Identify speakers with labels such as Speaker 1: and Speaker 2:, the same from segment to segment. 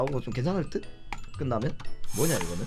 Speaker 1: 하고 좀 괜찮을 듯? 끝나면? 뭐냐 이거는?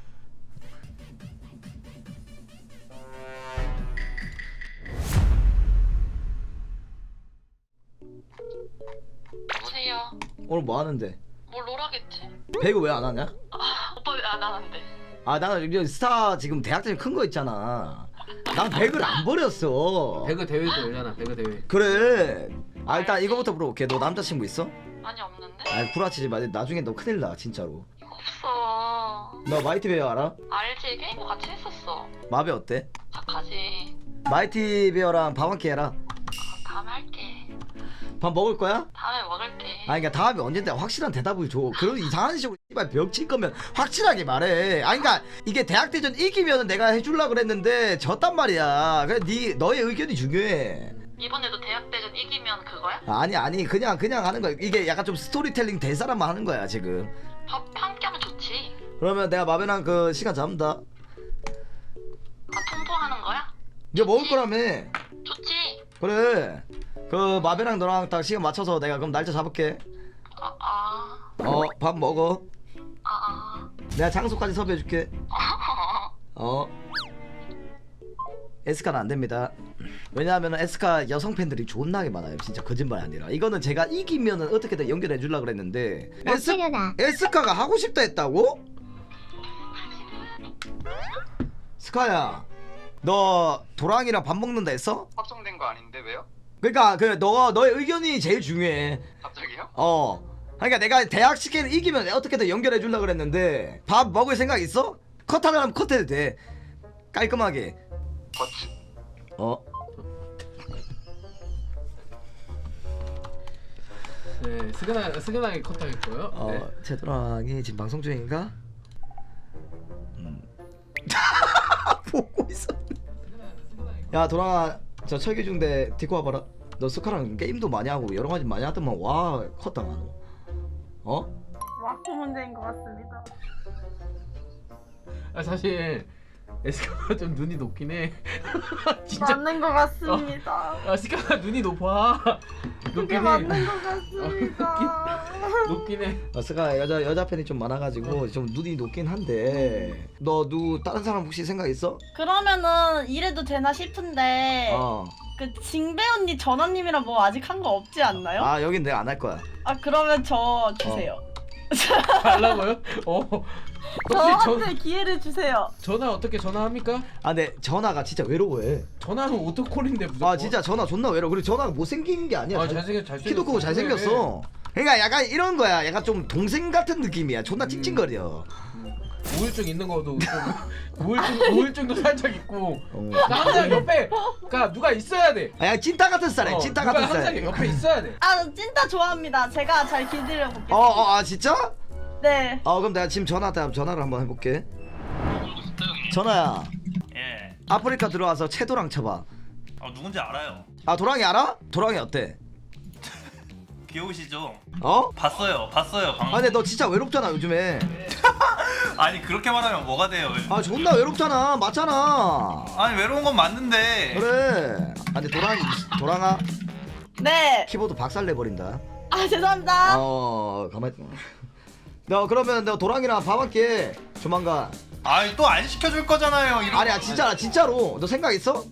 Speaker 2: 여보세요.
Speaker 1: 오늘 뭐 하는데?
Speaker 2: 뭘 롤하겠지.
Speaker 1: 배그 왜 안 하냐?
Speaker 2: 오빠 왜 안 하는데?
Speaker 1: 아 나는 이제 스타 지금 대학생 큰 거 있잖아. 난 배그를 안 버렸어.
Speaker 3: 배그 대회도 열잖아. 배그 대회.
Speaker 1: 그래. 아 일단 이거부터 물어볼게. 너 남자친구 있어?
Speaker 2: 아니 없는데?
Speaker 1: 아 구라치지 마. 나중에 너 큰일 나 진짜로.
Speaker 2: 없어.
Speaker 1: 너 마이티 베어 알아?
Speaker 2: 알지? 게임도 같이 했었어.
Speaker 1: 마베 어때?
Speaker 2: 착하지.
Speaker 1: 마이티 베어랑 밥 한 끼 해라.
Speaker 2: 다음에 할게.
Speaker 1: 밥 먹을 거야?
Speaker 2: 다음에 먹을게.
Speaker 1: 아니 그러니까 다음에 언젠데 확실한 대답을 줘. 그런 이상한 식으로 씨발 벽칠 거면 확실하게 말해. 아니 그러니까 이게 대학대전 이기면은 내가 해줄라 그랬는데 졌단 말이야. 그래 너의 의견이 중요해.
Speaker 2: 이번에도 대학대전 이기면 그거야?
Speaker 1: 아니 그냥 하는 거야. 이게 약간 좀 스토리텔링 될 사람만 하는 거야 지금.
Speaker 2: 밥 함께 하면 좋지.
Speaker 1: 그러면 내가 마베랑 그 시간 잡는다.
Speaker 2: 아 통보하는 거야?
Speaker 1: 이제 먹을 거라며.
Speaker 2: 좋지.
Speaker 1: 그래. 그 마베랑 너랑 딱 시간 맞춰서 내가 그럼 날짜 잡을게. 밥 먹어. 내가 장소까지 섭외해줄게. 에스카는 안 됩니다. 왜냐하면 에스카 여성 팬들이 존나게 많아요. 진짜 거짓말이 아니라. 이거는 제가 이기면은 어떻게든 연결해 주려고 그랬는데 에스카가 하고 싶다 했다고? 스카야, 너 도랑이랑 밥 먹는다 했어?
Speaker 4: 확정된 거 아닌데 왜요?
Speaker 1: 그러니까 그 너의 의견이 제일 중요해.
Speaker 4: 갑자기요?
Speaker 1: 그러니까 내가 대학 시계를 이기면 어떻게든 연결해 주려고 그랬는데 밥 먹을 생각 있어? 컷하려면 컷해도 돼. 깔끔하게.
Speaker 3: 네, 스근하게 컷하겠고요. 네.
Speaker 1: 제도랑이 지금 방송 중인가? 보고 있어. 야 도랑아, 저 철기중대 디코 와봐라. 너 스카랑 게임도 많이 하고 여러 가지 많이 하더만. 와 컸다.
Speaker 5: 마크 문제인 것 같습니다.
Speaker 3: 아 사실 에스카가 좀 눈이 높긴 해. 진짜
Speaker 5: 맞는 것 같습니다.
Speaker 3: 스카가 눈이 높아.
Speaker 5: 그게 맞는 것 같습니다.
Speaker 3: 높긴 해.
Speaker 1: 스카 여자 팬이 좀 많아가지고 좀 눈이 높긴 한데 너 다른 사람 혹시 생각 있어?
Speaker 5: 그러면은 이래도 되나 싶은데 그 징배 언니 전화님이랑 뭐 아직 한 거 없지 않나요?
Speaker 1: 아 여긴 내가 안 할 거야.
Speaker 5: 아 그러면 저 주세요.
Speaker 3: 달라고요?
Speaker 5: 저한테 기회를 주세요.
Speaker 3: 전화 어떻게 전화합니까?
Speaker 1: 아 근데 전화가 진짜 외로워해.
Speaker 3: 전화는 오토콜인데 무조건.
Speaker 1: 아 진짜 전화 존나 외로워. 그리고 전화가 못생긴 게 아니야.
Speaker 3: 잘생겼어.
Speaker 1: 키도 크고 잘생겼어. 그러니까 약간 이런 거야. 약간 좀 동생 같은 느낌이야. 존나 찡찡거려.
Speaker 3: 우울증 있는 거도 좀 우울증도 살짝 있고.
Speaker 1: 어.
Speaker 3: 나 항상 옆에 그러니까 누가 있어야 돼.
Speaker 1: 아, 찐따 같은 스타일이야. 찐따 같은
Speaker 3: 누가 항상
Speaker 1: 스타일.
Speaker 3: 옆에 있어야 돼.
Speaker 5: 아 찐따 좋아합니다. 제가 잘 길들여 볼게요.
Speaker 1: 아 진짜?
Speaker 5: 네.
Speaker 1: 그럼 내가 지금 전화를 한번 해볼게. 전화야.
Speaker 6: 예.
Speaker 1: 아프리카 들어와서 채도랑 쳐봐.
Speaker 6: 누군지 알아요.
Speaker 1: 아 도랑이 알아? 도랑이 어때?
Speaker 6: 귀여우시죠?
Speaker 1: 봤어요
Speaker 6: 방금.
Speaker 1: 근데 너 진짜 외롭잖아 요즘에.
Speaker 6: 아니 그렇게 말하면 뭐가 돼요?
Speaker 1: 아 존나 외롭잖아. 맞잖아.
Speaker 6: 아니 외로운 건 맞는데.
Speaker 1: 그래. 근데 도랑아
Speaker 5: 네.
Speaker 1: 키보드 박살내버린다.
Speaker 5: 아 죄송합니다.
Speaker 1: 가만히. 너 그러면 너 도랑이랑 밥 할게 조만간.
Speaker 6: 아니 또 안 시켜줄 거잖아요.
Speaker 1: 아니야 진짜로. 너 생각 있어?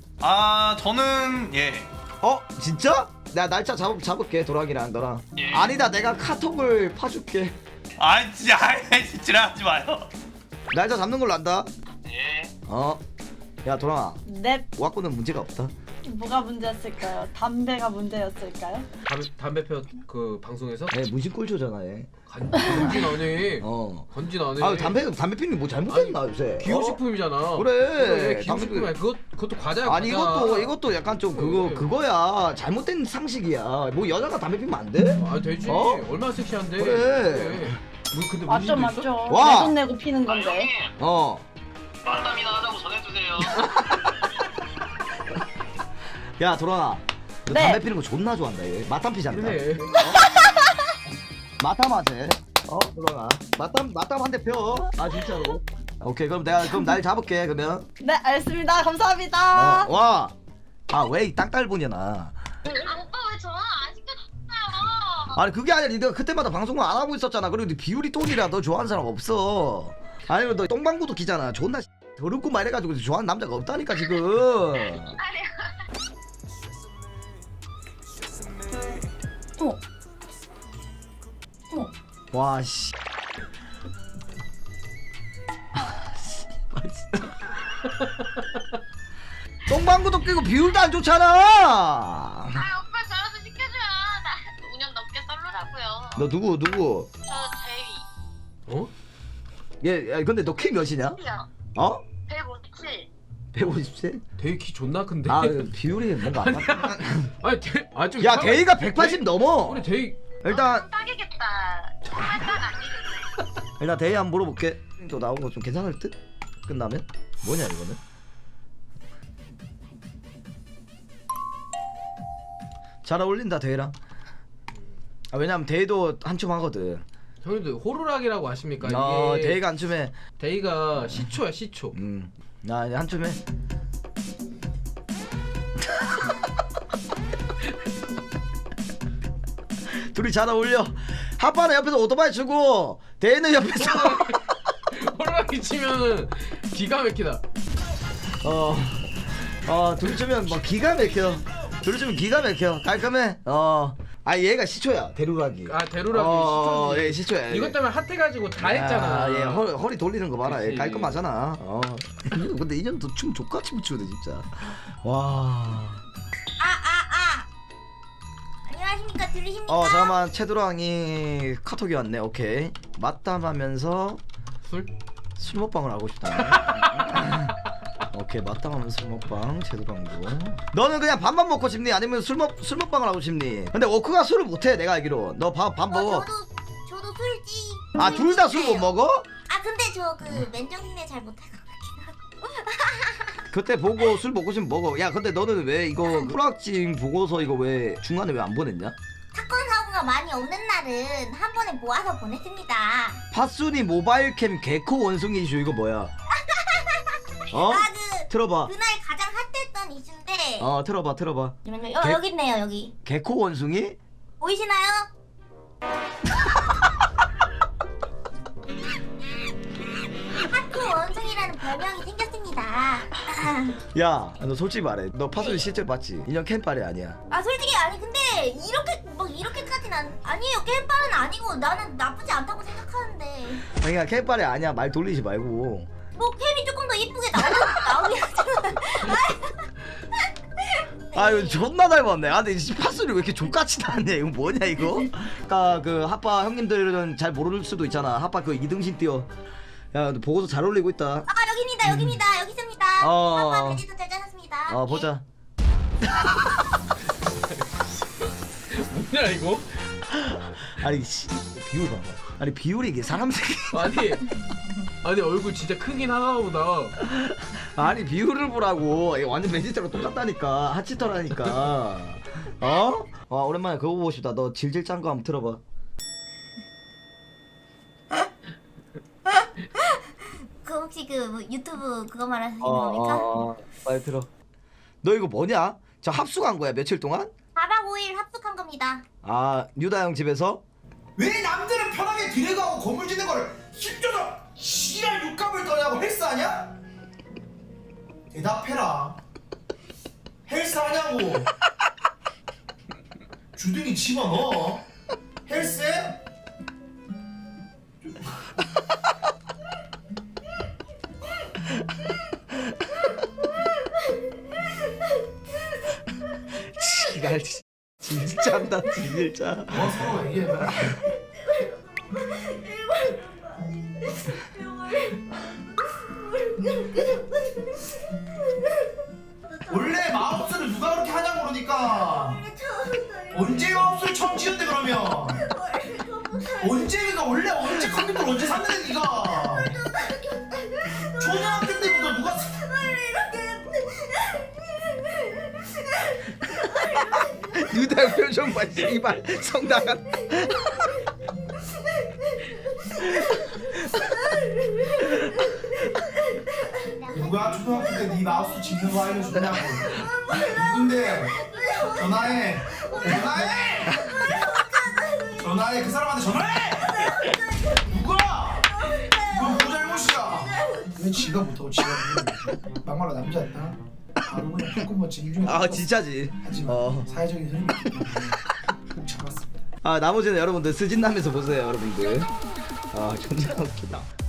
Speaker 6: 저는 예.
Speaker 1: 진짜? 내가 날짜 잡을게 도랑이랑 너랑.
Speaker 6: 예.
Speaker 1: 아니다 내가 카톡을 파줄게.
Speaker 6: 진짜 지랄하지 마요.
Speaker 1: 날짜 잡는 걸로 한다.
Speaker 6: 예.
Speaker 1: 야 도랑아,
Speaker 5: 네.
Speaker 1: 와꾸는 문제가 없다.
Speaker 5: 뭐가 문제였을까요? 담배가 문제였을까요?
Speaker 3: 담배 펴 그 방송에서
Speaker 1: 문신 꼴초잖아 얘.
Speaker 3: 건진 안 해. 건진 안 해.
Speaker 1: 담배 피는 게 뭐 잘못됐나 요새?
Speaker 3: 기호식품이잖아.
Speaker 1: 그래.
Speaker 3: 기호식품이야. 그것도 과자야.
Speaker 1: 아니
Speaker 3: 과자.
Speaker 1: 이것도 약간 좀 그거야. 잘못된 상식이야. 뭐 여자가 담배 피면 안 돼?
Speaker 3: 되지. 얼마나 섹시한데.
Speaker 1: 그래.
Speaker 3: 근데
Speaker 5: 맞죠
Speaker 3: 문신도 있어?
Speaker 5: 맞죠.
Speaker 1: 와.
Speaker 5: 내 돈 내고 피는 건데.
Speaker 6: 만담이나 하자고 전해주세요.
Speaker 1: 야 도랑아, 너
Speaker 5: 네.
Speaker 1: 담배 피는 거 존나 좋아한다 얘. 마탐 피잖아.
Speaker 3: 그래.
Speaker 1: 마탐 하재. 도랑아. 마탐 한 대 펴. 진짜로. 오케이 그럼 내가 날 잡을게 그러면.
Speaker 5: 네 알겠습니다. 감사합니다.
Speaker 1: 와. 왜 이 땅딸보냐 나.
Speaker 2: 오빠 왜 전화 안 시켜줬어요?
Speaker 1: 아니 그게 아니라 네가 그때마다 방송을 안 하고 있었잖아. 그리고 네 비율이 똥이라 너 좋아하는 사람 없어. 아니 너 똥방구도 끼잖아. 존나 더럽고 말 해가지고 좋아하는 남자가 없다니까 지금.
Speaker 2: 아니
Speaker 1: 와 씨. 똥방구도 끼고 비율도 안 좋잖아.
Speaker 2: 아 오빠 저라도 시켜줘요. 나 5년 넘게 솔로라고요.
Speaker 1: 너 누구?
Speaker 2: 저 제이.
Speaker 3: 어?
Speaker 1: 얘 야, 근데 너 키 몇이냐?
Speaker 2: 요
Speaker 1: 어?
Speaker 2: 157.
Speaker 1: 150세?
Speaker 3: 대희 키 존나 큰데.
Speaker 1: 아 비율이 뭔가 안 맞다.
Speaker 3: 아니 좀
Speaker 1: 야 대희가 180 넘어.
Speaker 3: 우리 대희
Speaker 1: 일단
Speaker 2: 딱이겠다. 정말 딱 아니겠네.
Speaker 1: 일단 대희 한번 물어볼게. 또 나온 거 좀 괜찮을 듯? 끝나면? 뭐냐 이거는? 잘 어울린다 대희랑. 아 왜냐면 대희도 한춤 하거든.
Speaker 3: 형님들 호루라기라고 아십니까? 이게
Speaker 1: 대희가 한춤해.
Speaker 3: 대희가 시초야 시초.
Speaker 1: 나 이제 한춤해. 둘이 잘 어울려. 하빠는 옆에서 오토바이 주고 대희는 옆에서
Speaker 3: 호루라기 치면은 기가 막히다.
Speaker 1: 둘이 주면 뭐 기가 막혀. 둘이 주면 기가 막혀. 깔끔해. 아 얘가 시초야 대루라기.
Speaker 3: 아 대루라기 시초지.
Speaker 1: 얘 시초야.
Speaker 3: 이것 때문에 핫해가지고 다 했잖아.
Speaker 1: 얘 허리 돌리는 거 봐라. 얘
Speaker 3: 그치.
Speaker 1: 깔끔하잖아. 근데 인연도 춤 족같이 묻히거든 진짜. 와.
Speaker 4: 안녕하십니까? 들리십니까?
Speaker 1: 잠깐만 채도랑이 카톡이 왔네. 오케이. 맞담하면서 술 먹방을 하고 싶다. 오케이 맞담하면서 술 먹방 채도랑도. 너는 그냥 밥만 먹고 싶니? 아니면 술 먹방을 하고 싶니? 근데 워크가 술을 못해 내가 알기로. 너 밥 먹어.
Speaker 4: 저도 술지.
Speaker 1: 아 둘 다 술 못 먹어?
Speaker 4: 아 근데 저 그 맨정신에 잘 못할 것 같긴 하고.
Speaker 1: 그때 보고 술 먹고 싶으면 먹어. 야 근데 너는 왜 이거 프락징 보고서 이거 왜 중간에 왜 안 보냈냐?
Speaker 4: 사건 사고가 많이 없는 날은 한 번에 모아서 보냈습니다.
Speaker 1: 파순이 모바일캠 개코 원숭이 이슈 이거 뭐야? 어?
Speaker 4: 그
Speaker 1: 틀어봐.
Speaker 4: 그날 가장 핫했던 이슈인데.
Speaker 1: 틀어봐.
Speaker 4: 잠시만요.
Speaker 1: 개-
Speaker 4: 여기 있네요 여기.
Speaker 1: 개코 원숭이?
Speaker 4: 보이시나요? 하트 원숭이라는 별명이 생겼습니다.
Speaker 1: 야, 너 솔직히 말해. 너 파순이 실제로 봤지? 인형 캠빨이 아니야.
Speaker 4: 아 솔직히 아니 근데 이렇게까지는 아니에요. 게임빨은 아니고 나는 나쁘지 않다고 생각하는데
Speaker 1: 그러니까 캠빨이 아니야. 말 돌리지 말고.
Speaker 4: 뭐 캠이 조금 더 이쁘게 나오긴 하지만
Speaker 1: 아 이거 존나 닮았네. 아 근데 이 파순이 왜 이렇게 족같이 나왔냐? 이거 뭐냐 이거? 아까 그 하빠 형님들은 잘 모를 수도 있잖아. 하빠 그 이등신 띄어. 야, 너 보고서 잘 어울리고 있다.
Speaker 4: 아 여기입니다 여기 있습니다. 한번 베지도 잘 짜놨습니다.
Speaker 1: 보자.
Speaker 3: 뭐냐 이거?
Speaker 1: 아니 씨, 비율 봐봐. 아니 비율이 이게 사람 새끼.
Speaker 3: 아니 얼굴 진짜 크긴 하나 보다.
Speaker 1: 아니 비율을 보라고. 이게 완전 베지터랑 똑같다니까. 하치터라니까. 오랜만에 그거 보고 싶다. 너 질질 짠 거 한번 들어봐.
Speaker 4: 그 혹시 그 유튜브 그거 말하시는 겁니까?
Speaker 1: 빨리 들어. 너 이거 뭐냐? 저 합숙한 거야 며칠 동안?
Speaker 4: 4박 5일 합숙한 겁니다.
Speaker 1: 유다 형 집에서?
Speaker 7: 왜 남들은 편하게 드래그하고 건물 짓는 거를 힘줘서 씨랄 육감을 떠냐고 헬스하냐? 대답해라. 헬스하냐고. 주둥이 집어넣어. 헬스해?
Speaker 1: 지랄 진짜다 진짜.
Speaker 7: 서로 얘기해봐. 원래 마우스를 누가 그렇게 하냐고 그러니까. 언제 마우스를 처음 지었대 그러면? 원래 언제 컴퓨터를 언제 샀는데 니가? 초등학교 때부터 누가
Speaker 1: 유다 형 표정 봐. 이발 성당한.
Speaker 7: 누가 초등학교 때 네 마우스 짚는 거 알려주냐고. 누군데? 전화해. 전화해. 그 사람한테 전화해. 누가? 이거 누구 잘못이야? 왜 지가 못하고 지가 못하고? 막말로 남자였다. 바로 그냥 풀꿈버치 일종의
Speaker 1: 아 진짜지.
Speaker 7: 하지만 사회적인 흐름이 있기 때문에 꼭 참았습니다.
Speaker 1: 아 나머지는 여러분들 스진남에서 보세요 여러분들. 아 존나 웃기다.